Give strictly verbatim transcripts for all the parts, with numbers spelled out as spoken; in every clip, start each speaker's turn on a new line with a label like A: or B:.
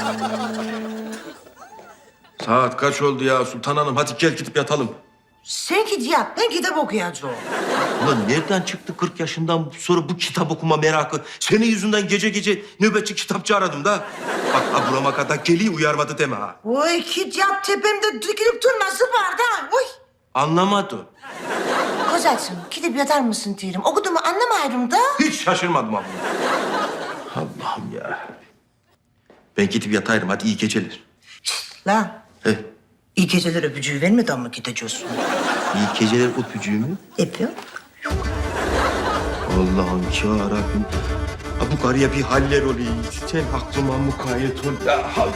A: Saat kaç oldu ya Sultan Hanım? Hadi gel gidip yatalım.
B: Sen git yat, ben kitap okuyacağım.
A: Ulan nereden çıktı kırk yaşından sonra bu kitap okuma merakı? Senin yüzünden gece gece nöbetçi kitapçı aradım da. Bak ha burama kadar geliyor uyarmadı deme ha.
B: Oy git yat, tepemde dikilip durması var da. Oy.
A: Anlamadım.
B: Kozacığım, gidip yatar mısın diyorum. Okuduğumu anlamayırım da.
A: Hiç şaşırmadım abla. Allah'ım ya. Ben gidip yatayım hadi iyi geceler.
B: Lan,
A: He.
B: iyi geceler öpücüğü vermeden mi gideceğiz?
A: İyi geceler öpücüğü mü?
B: Yapıyor.
A: Allah'ım ya Rabbim. Ha, bu karıya bir haller oluyor. Sen aklıma mukayyet ol. Ya, hal.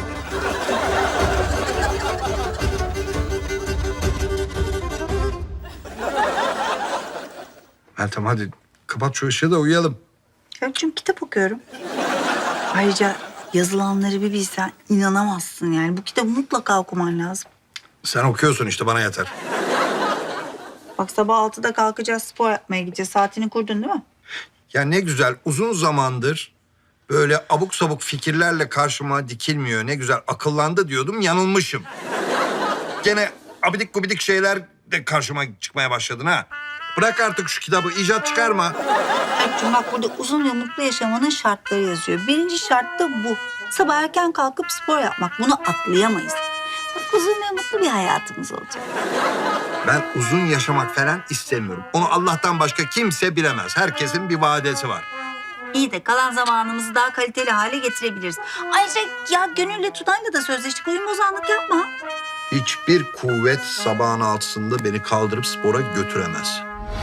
C: Meltem hadi kapat şu ışığı da uyuyalım.
D: Ya çünkü kitap okuyorum. Ayrıca yazılanları bir bilsen inanamazsın yani. Bu kitabı mutlaka okuman lazım.
C: Sen okuyorsun işte bana yeter.
D: Bak sabah altıda kalkacağız, spor yapmaya gideceğiz. Saatini kurdun değil mi?
C: Ya ne güzel uzun zamandır böyle abuk sabuk fikirlerle karşıma dikilmiyor. Ne güzel akıllandı diyordum yanılmışım. Gene abidik gubidik şeyler de karşıma çıkmaya başladın ha. Bırak artık şu kitabı icat çıkarma.
D: Erkçim bak burada uzun ve mutlu yaşamanın şartları yazıyor. Birinci şart da bu. Sabah erken kalkıp spor yapmak. Bunu atlayamayız. Bak uzun ve mutlu bir hayatımız olacak.
C: Ben uzun yaşamak falan istemiyorum. Onu Allah'tan başka kimse bilemez. Herkesin bir vadesi var.
D: İyi de kalan zamanımızı daha kaliteli hale getirebiliriz. Ayrıca ya Gönül'le Tuna'yla da sözleştik. Oyun bozanlık yapma.
C: Hiçbir kuvvet sabahın altısında beni kaldırıp spora götüremez.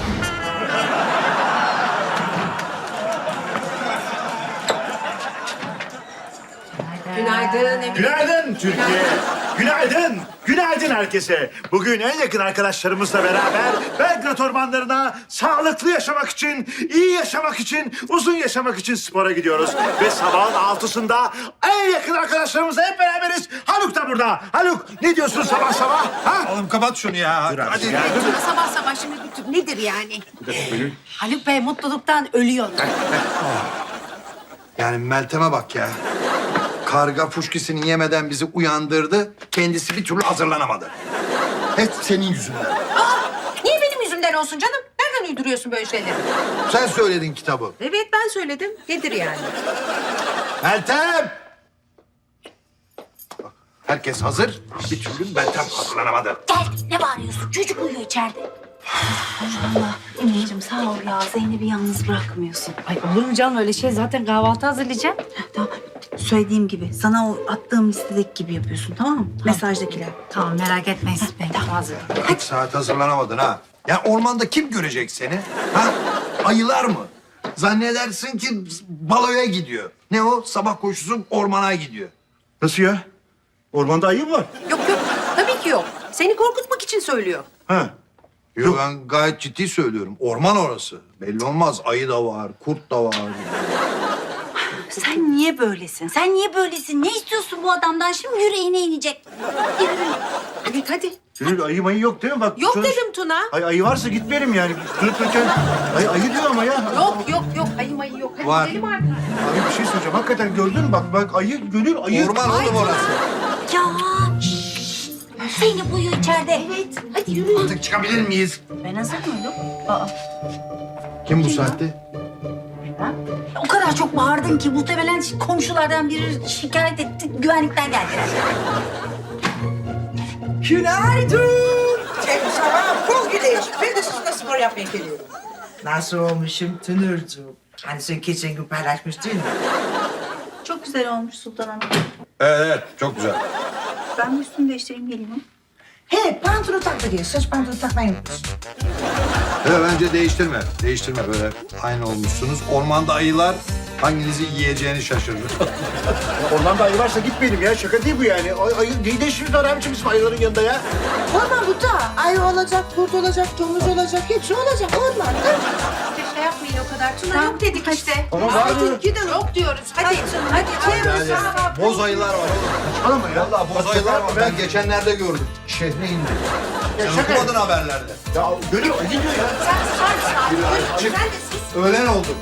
E: Günaydın Emine.
F: Günaydın Türkiye. Günaydın. Günaydın herkese. Bugün en yakın arkadaşlarımızla beraber Belgrad ormanlarına sağlıklı yaşamak için, iyi yaşamak için, uzun yaşamak için spora gidiyoruz. Ve sabahın altısında en yakın arkadaşlarımızla hep beraberiz. Haluk da burada. Haluk ne diyorsun sabah sabah? Ha?
C: Oğlum kapat şunu ya.
F: Hadi.
E: Sabah sabah şimdi bütün- nedir yani? Haluk Bey mutluluktan ölüyor.
C: Yani Meltem'e bak ya. Karga fuşkisini yemeden bizi uyandırdı. Kendisi bir türlü hazırlanamadı. Hep senin yüzünden.
E: Niye benim yüzümden olsun canım? Nereden uyduruyorsun böyle şeyleri?
C: Sen söyledin kitabı.
E: Evet ben söyledim. Nedir yani?
C: Meltem! Bak, herkes hazır. Bir türlü Meltem hazırlanamadı.
D: Gel ne bağırıyorsun? Çocuk uyuyor içeride. Allah Emineciğim sağ ol ya. Zeynep'i yalnız bırakmıyorsun.
E: Ay olur mu canım öyle şey? Zaten kahvaltı hazırlayacağım.
D: Tamam. Söylediğim gibi sana o attığım listedeki gibi yapıyorsun tamam mı? Mesajdakiler.
E: Tamam merak etmeyin siz beni. Tamam hazır.
C: İki saat hazırlanamadın ha. Ya ormanda kim görecek seni? Ha? Ayılar mı? Zannedersin ki baloya gidiyor. Ne o? Sabah koşusu ormana gidiyor.
F: Nasıl ya? Ormanda ayı mı var?
E: Yok yok tabii ki yok. Seni korkutmak için söylüyor.
F: Ha.
C: Yok ben gayet ciddi söylüyorum. Orman orası. Belli olmaz. Ayı da var, kurt da var.
D: Sen niye böylesin? Sen niye böylesin? Ne istiyorsun bu adamdan? Şimdi yüreğine inecek.
E: Hadi hadi.
F: Gönül ayı mayı yok değil mi? Bak,
E: Yok
F: çalış-
E: dedim Tuna.
F: Ay, ayı varsa gitmeyelim yani. Durup dururken ay, ayı diyor ama ya.
E: Yok yok yok ayı mayı yok. Hadi
C: Var.
E: gidelim artık.
F: Abi bir şey söyleyeceğim. Hakikaten gördün mü? Bak bak ayı, Gönül ayı.
C: Orman oğlum orası.
D: Ya şşş. Zeynep uyuyor içeride. Evet. Hadi yürü.
C: Artık çıkabilir miyiz?
D: Ben hazır mıydım? Aa.
C: Kim bu saatte?
D: O kadar çok bağırdın ki muhtemelen komşulardan biri şikayet etti. Güvenlikten geldiler.
B: Günaydın. Tek sabah bol güneş. Ben de sizinle spor yapmaya geliyorum. Nasıl olmuşum Tınırcığım? Hani sen geçen gün paylaşmıştın mı?
D: Çok güzel olmuş Sultan Hanım.
C: Evet, evet. Çok güzel.
D: Ben bir üstümü değiştireyim geleyim mi?
B: He, pantolon tak da diye. Saç pantolon takmayı unutmuşsun.
C: Evet, bence değiştirme. Değiştirme böyle aynı olmuşsunuz. Ormanda ayılar hanginizi yiyeceğini şaşırır.
F: Ormanda ayı varsa gitmeyelim ya. Şaka değil bu yani. Ay, ayı ne değişiriz var abiciğim bizim ayıların yanında ya.
B: Orman bu da. Ayı olacak, kurt olacak, domuz olacak. Hepsi olacak orman.
E: İşte şey yapmayın o kadar. Tuna yok dedik işte.
F: Ama var
E: Hadi
F: mı?
E: gidelim. Yok diyoruz. Hadi. Hadi. Hadi.
C: Yani boz ayılar var oğlum.
F: Saçmalama ya.
C: Vallahi boz ayılar var. Ben geçenlerde gördüm. Şehre indi. Sen
F: şaka-
C: okumadın haberlerde.
F: Ya Gönül ayı diyor ya.
E: Sen susar mısın abi?
C: Çık.
E: Sen de sus.
C: Öğlen oldu.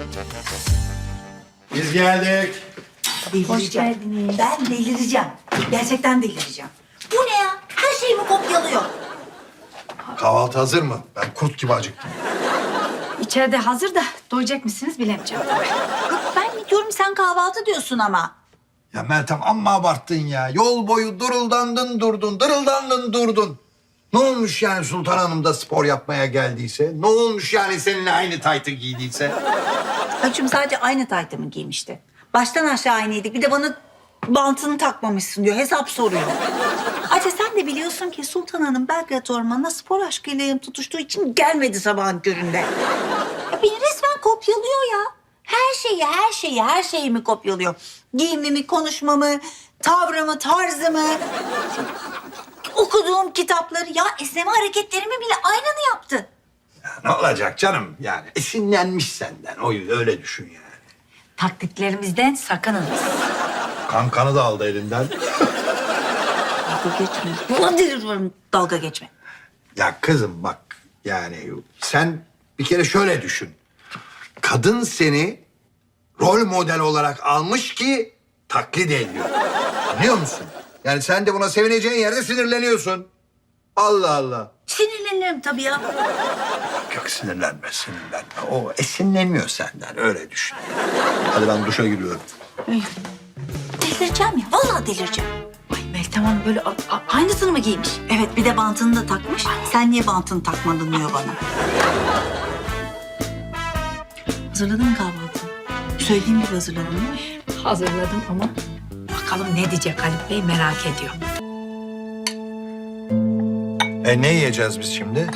C: Biz geldik.
D: Delireceğim. Ben delireceğim. Gerçekten delireceğim. Bu ne ya? Her şeyimi kopyalıyor.
C: Kahvaltı hazır mı? Ben kurt gibi acıktım.
E: İçeride hazır da doyacak mısınız bilemeyeceğim.
D: Yok, ben mi diyorum sen kahvaltı diyorsun ama.
C: Ya Meltem amma abarttın ya. Yol boyu duruldandın durdun, dırıldandın durdun. Ne olmuş yani Sultan Hanım da spor yapmaya geldiyse? Ne olmuş yani seninle aynı taytı giydiyse?
D: Hacım sadece aynı taytımı giymişti. Baştan aşağı aynıydık. Bir de bana bantını takmamışsın diyor. Hesap soruyor. Ayrıca sen de biliyorsun ki Sultan Hanım Belgrad Ormanı'na spor aşkıyla yanıp tutuştuğu için gelmedi sabahın köründe. Ya beni resmen kopyalıyor ya. Her şeyi, her şeyi, her şeyimi kopyalıyor. Giyimimi, konuşmamı, tavrımı, tarzımı, okuduğum kitapları. Ya esneme hareketlerimi bile aynını yaptı.
C: Ne olacak canım yani? Esinlenmiş senden. O öyle düşün yani.
E: Taktiklerimizden sakının.
C: Kankanı da aldı elinden.
D: Dalga geçme. Ulan deliriyorum. Dalga geçme.
C: Ya kızım bak yani sen bir kere şöyle düşün. Kadın seni rol model olarak almış ki taklit ediyor. Anlıyor musun? Yani sen de buna sevineceğin yerde sinirleniyorsun. Allah Allah.
D: Sinirlenirim tabii ya.
C: Yok sinirlenme sinirlenme. O esinleniyor senden öyle düşün. Hadi ben duşa giriyorum.
D: Delireceğim ya. Vallahi delireceğim.
E: Ay Meltem Hanım böyle a- a- aynısını mı giymiş?
D: Evet bir de bantını da takmış. Sen niye bantını takmadın diyor bana. Hazırladın mı kahvaltıyı? Söylediğim gibi hazırladın değil mi?
E: Hazırladım ama bakalım ne diyecek Haluk Bey merak ediyorum.
C: E ne yiyeceğiz biz şimdi?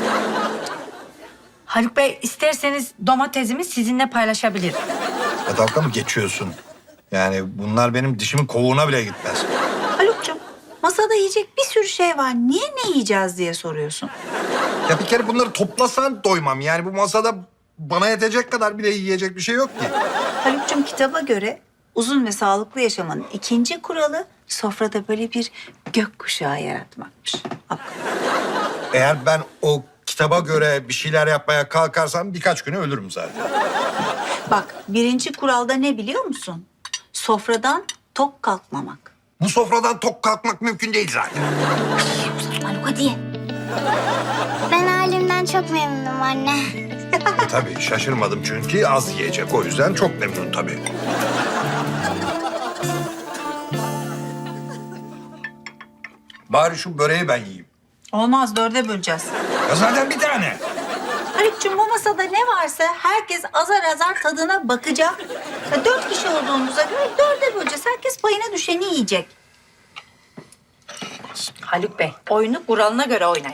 E: Haluk Bey isterseniz domatesimi sizinle paylaşabilirim.
C: Ya dalga mı geçiyorsun? Yani bunlar benim dişimin kovuğuna bile gitmez.
D: Haluk'cum masada yiyecek bir sürü şey var. Niye ne yiyeceğiz diye soruyorsun.
C: Ya bir kere bunları toplasan doymam. Yani bu masada bana yetecek kadar bile yiyecek bir şey yok ki.
D: Haluk'cum kitaba göre uzun ve sağlıklı yaşamanın ikinci kuralı sofrada böyle bir gökkuşağı yaratmakmış. Bak.
C: Eğer ben o kitaba göre bir şeyler yapmaya kalkarsam birkaç güne ölürüm zaten.
D: Bak birinci kuralda ne biliyor musun? Sofradan tok kalkmamak.
C: Bu sofradan tok kalkmak mümkün değil zaten.
D: Haluk hadi.
G: Ben halimden çok memnunum anne.
C: E tabii şaşırmadım çünkü az yiyecek. O yüzden çok memnun tabii. Bari şu böreği ben yiyeyim.
D: Olmaz dörde böleceğiz.
C: Ya zaten bir tane.
D: Haluk'cum bu masada ne varsa herkes azar azar tadına bakacak. Ya dört kişi olduğumuza göre dörde böleceğiz. Herkes payına düşeni yiyecek.
E: Haluk Bey oyunu kuralına göre oynayın.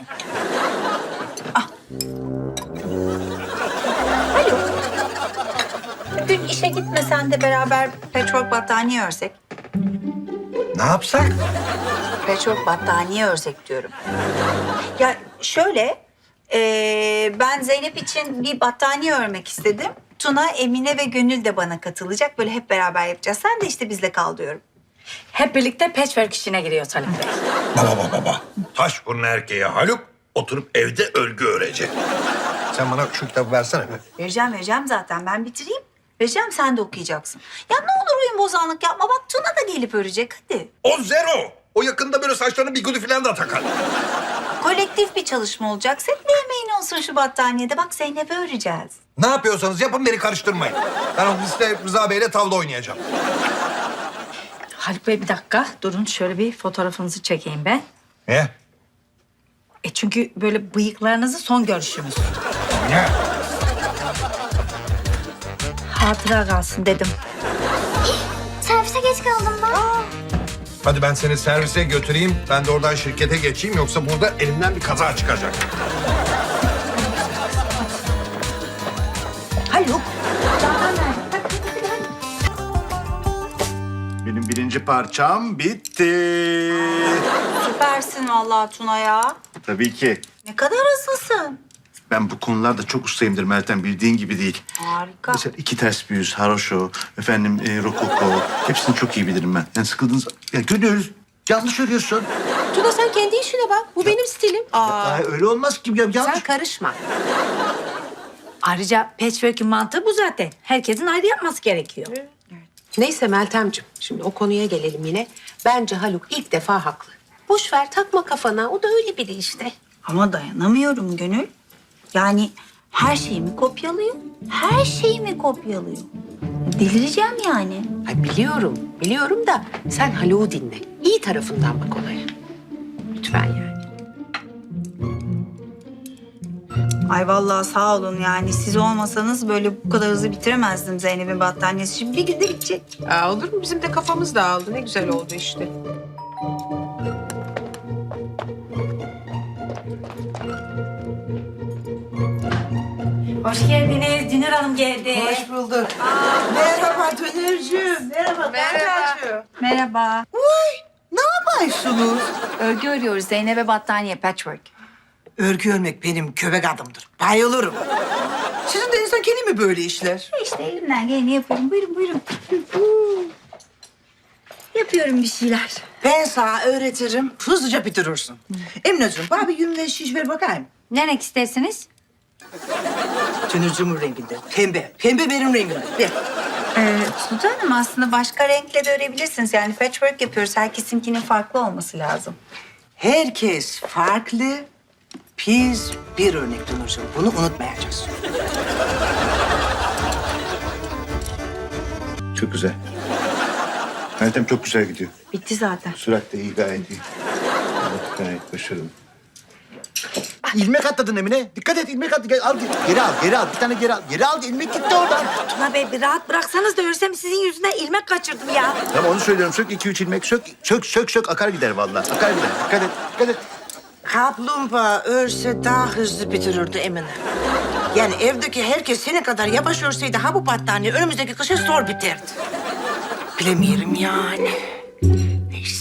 D: Haluk. Bugün işe gitmesen de beraber petrol battaniye örsek.
C: Ne yapsak?
D: Petrol battaniye örsek diyorum. Ya şöyle, eee, ben Zeynep için bir battaniye örmek istedim. Tuna, Emine ve Gönül de bana katılacak. Böyle hep beraber yapacağız. Sen de işte bizle kal diyorum.
E: Hep birlikte patchwork işine giriyoruz Haluk Bey.
C: Baba baba baba. Taş burnu erkeğe Haluk oturup evde örgü örecek. Sen bana şu kitabı versene be.
D: Vereceğim, vereceğim zaten. Ben bitireyim. Vereceğim, sen de okuyacaksın. Ya ne olur uyum bozanlık yapma. Bak Tuna da gelip örecek. Hadi.
C: O zero. O yakında böyle saçlarını bigudi falan da takar.
D: Kolektif bir çalışma olacak. Senin de emeğin olsun şu battaniyede. Bak Zeynep'e öreceğiz.
C: Ne yapıyorsanız yapın beni karıştırmayın. Ben ofiste Rıza Bey'le tavla oynayacağım.
E: Haluk Bey bir dakika durun şöyle bir fotoğrafınızı çekeyim ben.
C: Ne?
E: E çünkü böyle bıyıklarınızı son görüşümüz.
C: Ne?
E: Hatıra kalsın dedim.
G: Servise geç kaldım ben.
C: Hadi ben seni servise götüreyim. Ben de oradan şirkete geçeyim. Yoksa burada elimden bir kaza çıkacak.
D: Haluk.
F: Benim birinci parçam bitti.
D: Süpersin vallahi Tuna ya.
F: Tabii ki.
D: Ne kadar hızlısın.
F: Ben bu konularda çok ustayımdır Meltem. Bildiğin gibi değil.
D: Harika.
F: Mesela iki ters bir yüz, haroşo, efendim e, rokoko. Hepsini çok iyi bilirim ben. Yani sıkıldığınız... Ya Gönül, yanlış söylüyorsun.
E: Tuna sen kendi işine bak. Bu benim stilim.
F: Aa, öyle olmaz ki. Ya, yanlış.
E: Sen karışma. Ayrıca patchwork'ün mantığı bu zaten. Herkesin ayrı yapması gerekiyor.
H: Neyse Meltemciğim, şimdi o konuya gelelim yine. Bence Haluk ilk defa haklı. Boş ver, takma kafana. O da öyle biri işte.
D: Ama dayanamıyorum Gönül. Yani her şeyimi kopyalıyor. Her şeyimi kopyalıyor. Delireceğim yani.
H: Ay biliyorum, biliyorum da sen Haluk'u dinle. İyi tarafından bak olaya. Lütfen yani.
D: Ay vallahi sağ olun yani. Siz olmasanız böyle bu kadar hızlı bitiremezdim Zeynep'in battaniyesi. Şimdi bir günde bitecek.
H: Aa, olur mu? Bizim de kafamız dağıldı. Ne güzel oldu işte.
E: Hoş geldiniz. Dünür Hanım geldi.
B: Hoş bulduk. Merhaba Dönürcüğüm. Merhaba. Merhaba.
D: Merhaba.
B: Ne yapıyorsunuz?
E: Örgü örüyoruz. Zeynep'e battaniye patchwork.
B: Örgü örmek benim köpek adımdır. Bayılırım. Sizin de insan kendi mi böyle işler?
D: İşte elimden geleni yapıyorum. Buyurun buyurun. Yapıyorum bir şeyler.
B: Ben sana öğretirim, hızlıca bitirirsin. Emineciğim, bana bir yünle şiş ver bakayım.
E: Ne renk istersiniz?
B: Dönürcüğümün renginde. Pembe. Pembe benim rengimde. Ver.
D: Ee, Sultan Hanım aslında başka renkle de örebilirsiniz. Yani patchwork yapıyoruz. Herkesinkinin farklı olması lazım.
B: Herkes farklı. Biz bir örnek Dönürcüğüm. Bunu unutmayacağız.
F: Çok güzel. Meltem çok güzel gidiyor.
D: Bitti zaten.
F: Sürat de iyi, gayet iyi. Evet, gayet başarılı.
I: İlmek atladın Emine. Dikkat et ilmek attı. Gel, al, geri al, geri al. Bir tane geri al. Geri al, ilmek gitti oradan.
E: Tuna Bey bir rahat bıraksanız da örsem sizin yüzünden ilmek kaçırdım ya.
I: Tamam onu söylüyorum. Sök iki üç ilmek. Sök, sök, sök, sök. Akar gider vallahi. Akar gider. Dikkat et, dikkat et.
B: Kaplumbağa örse daha hızlı bitirirdi Emine. Yani evdeki herkes senin kadar yavaş örseydi ha bu battaniye önümüzdeki kışa zor biterdi. Bilemiyorum yani. Neyse.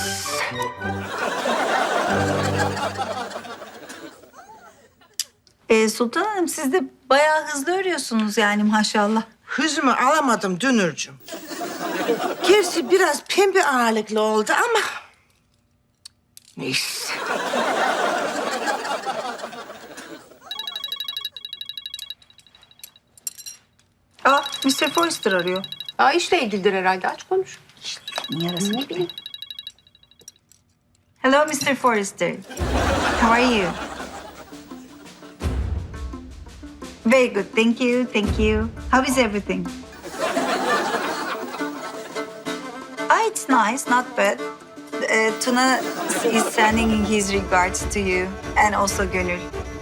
D: Ee, Sultan Hanım siz de bayağı hızlı örüyorsunuz yani maşallah.
B: Hızımı alamadım Dönürcüğüm. Gerçi biraz pembe ağırlıklı oldu ama... Neyse.
D: Aa, mister Forrester arıyor.
H: Aa, işle ilgilidir herhalde. Aç konuş.
D: Niye arasın ne bileyim. Hello mister Forrester. How are you? Very good, thank you, thank you. How is everything? Ah, it's nice, not bad. Uh, Tuna is sending his regards to you and also Gönül.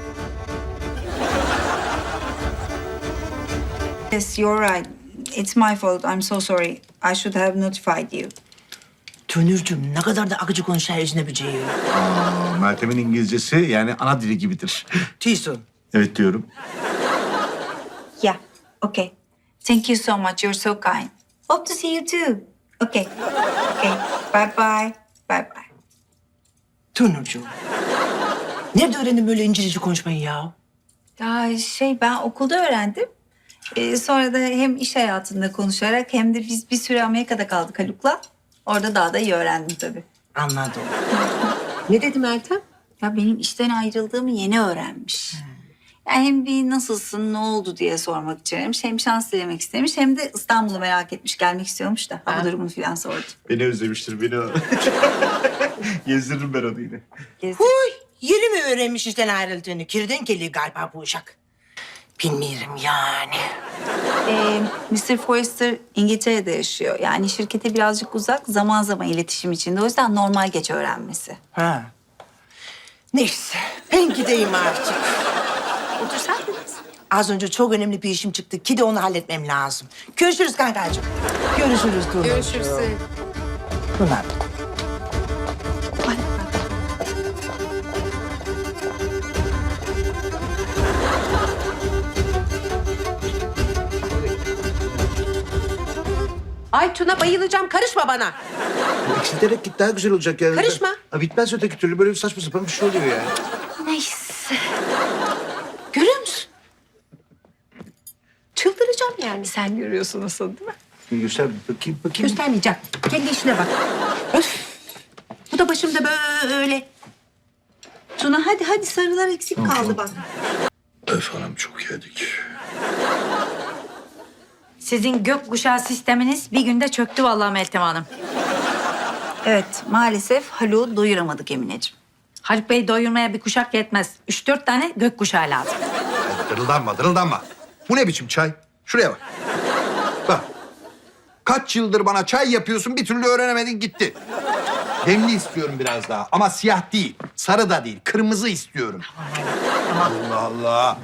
D: Yes, you're right. It's my fault. I'm so sorry. I should have notified you.
B: Dönürcüğüm ne kadar da akıcı konuşan ecnebiceyi.
F: Aa, Meltem'in İngilizcesi yani ana dili gibidir.
B: Tison.
F: Evet diyorum.
D: Yeah, okay. Thank you so much. You're so kind. Hope to see you too. Okay, okay. Bye bye. Bye bye.
B: Dönürcüğüm. Nerede öğrendin böyle İngilizce konuşmayı ya?
D: Ya şey ben okulda öğrendim. Ee, sonra da hem iş hayatında konuşarak hem de biz bir süre Amerika'da kaldık Haluk'la. Orada daha da iyi öğrendim tabii.
B: Anladım.
H: Ne dedi Meltem?
D: Ya benim işten ayrıldığımı yeni öğrenmiş. Yani hem bir nasılsın, ne oldu diye sormak için aramış. Hem şans dilemek istemiş hem de İstanbul'u merak etmiş, gelmek istiyormuş da. Ha, bu durumunu falan sordu.
F: Beni özlemiştir, beni o. Gezdiririm ben onu yine.
D: Gezdik.
B: Huy, yeni mi öğrenmiş işten ayrıldığını? Kirden geliyor galiba bu uşak. Bilmiyorum yani.
D: Ee, mister Forrester İngiltere'de yaşıyor. Yani şirkete birazcık uzak, zaman zaman iletişim içinde. O yüzden normal geç öğrenmesi.
B: Ha. Neyse, ben gideyim artık.
D: Otur sen de.
B: Az önce çok önemli bir işim çıktı ki de onu halletmem lazım. Görüşürüz kankacığım. Görüşürüz Tuna.
H: Görüşürüz.
B: Tuna.
H: Ay Tuna bayılacağım. Karışma bana.
I: Eksilterek git daha güzel olacak yani.
H: Karışma.
I: Ha, bitmez öteki türlü böyle bir saçma sapan bir şey oluyor yani.
H: Neyse. Görüyor musun? Çıldıracağım yani.
D: Sen görüyorsun nasıl değil mi?
I: Bir göster bir bakayım bakayım.
H: Göstermeyeceğim. Kendi işine bak. Öf. Bu da başımda böyle.
D: Tuna hadi hadi sarılar eksik kaldı bak.
C: Öf hanım çok yedik.
J: Sizin gökkuşağı sisteminiz bir günde çöktü vallahi Meltem Hanım.
D: Evet, maalesef Haluk'u doyuramadık Emineciğim.
J: Haluk Bey doyurmaya bir kuşak yetmez. Üç dört tane gökkuşağı lazım.
C: Dırıldanma, dırıldanma. Bu ne biçim çay? Şuraya bak. Bak. Kaç yıldır bana çay yapıyorsun, bir türlü öğrenemedin gitti. Demli istiyorum biraz daha ama siyah değil, sarı da değil, kırmızı istiyorum. Allah Allah.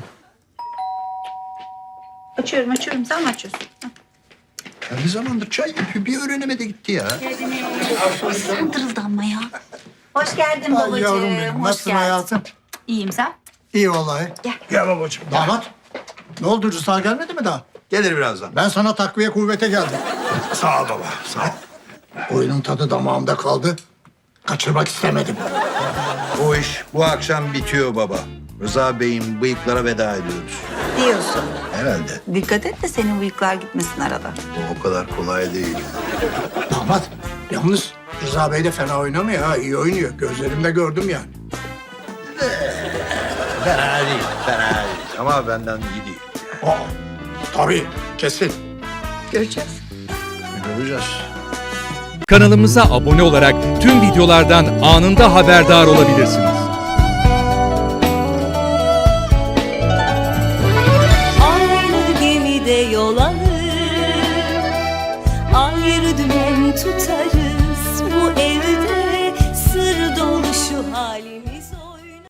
D: Açıyorum, açıyorum. Sen mi açıyorsun?
C: Ya ne zamandır çay yapıyor, bir öğrenemedi gitti ya.
D: Sen dırıldanma ya. Hoş geldin
I: Ay
D: babacığım.
I: yavrum benim.
D: Hoş
I: Nasılsın
D: geldin.
I: hayatım?
D: İyiyim sen?
I: İyi vallahi.
C: Gel babacığım.
I: Damat. Ne oldu Rıza gelmedi mi daha?
C: Gelir birazdan.
I: Ben sana takviye kuvvete geldim.
C: Sağ ol baba, sağ ol.
I: Oyunun tadı damağımda kaldı. Kaçırmak istemedim.
C: Bu iş bu akşam bitiyor baba. Rıza Bey'in bıyıklara veda ediyoruz.
D: Diyorsun.
C: Herhalde.
D: Dikkat et de senin bıyıklar gitmesin arada.
C: Bu o kadar kolay değil.
I: Damat. Yalnız Rıza Bey de fena oynamıyor ha. İyi oynuyor. Gözlerimde gördüm yani.
C: Fena değil, fena değil. Ama benden iyi değil.
I: Aa, tabii. Kesin.
D: Göreceğiz.
C: Göreceğiz.
K: Kanalımıza abone olarak tüm videolardan anında haberdar olabilirsiniz.
L: Aynı gemide yol alır, ayrı dümen tutarız.